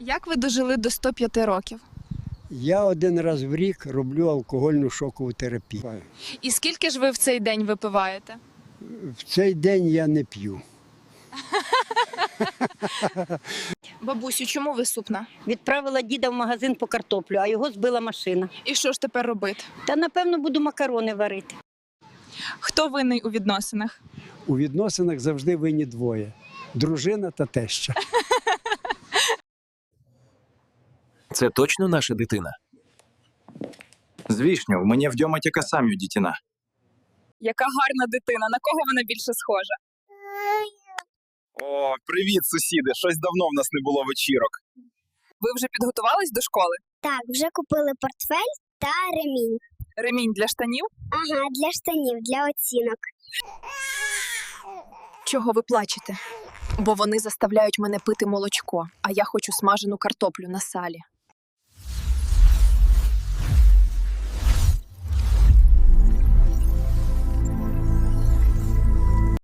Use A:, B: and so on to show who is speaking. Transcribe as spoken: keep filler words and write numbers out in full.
A: Як ви дожили до ста п'яти років?
B: Я один раз в рік роблю алкогольну шокову терапію.
A: І скільки ж ви в цей день випиваєте?
B: В цей день я не п'ю.
A: Бабусю, чому ви супна?
C: Відправила діда в магазин по картоплю, а його збила машина.
A: І що ж тепер робити?
C: Та, напевно, буду макарони варити.
A: Хто винний у відносинах?
B: У відносинах завжди винні двоє – дружина та теща.
D: Це точно наша дитина?
E: Звісно, в мене вдома тільки самі дитина.
A: Яка гарна дитина, на кого вона більше схожа?
E: О, привіт, сусіди! Щось давно в нас не було вечірок.
A: Ви вже підготувались до школи?
F: Так, вже купили портфель та ремінь.
A: Ремінь для штанів?
F: Ага, для штанів, для оцінок.
G: Чого ви плачете? Бо вони заставляють мене пити молочко, а я хочу смажену картоплю на салі.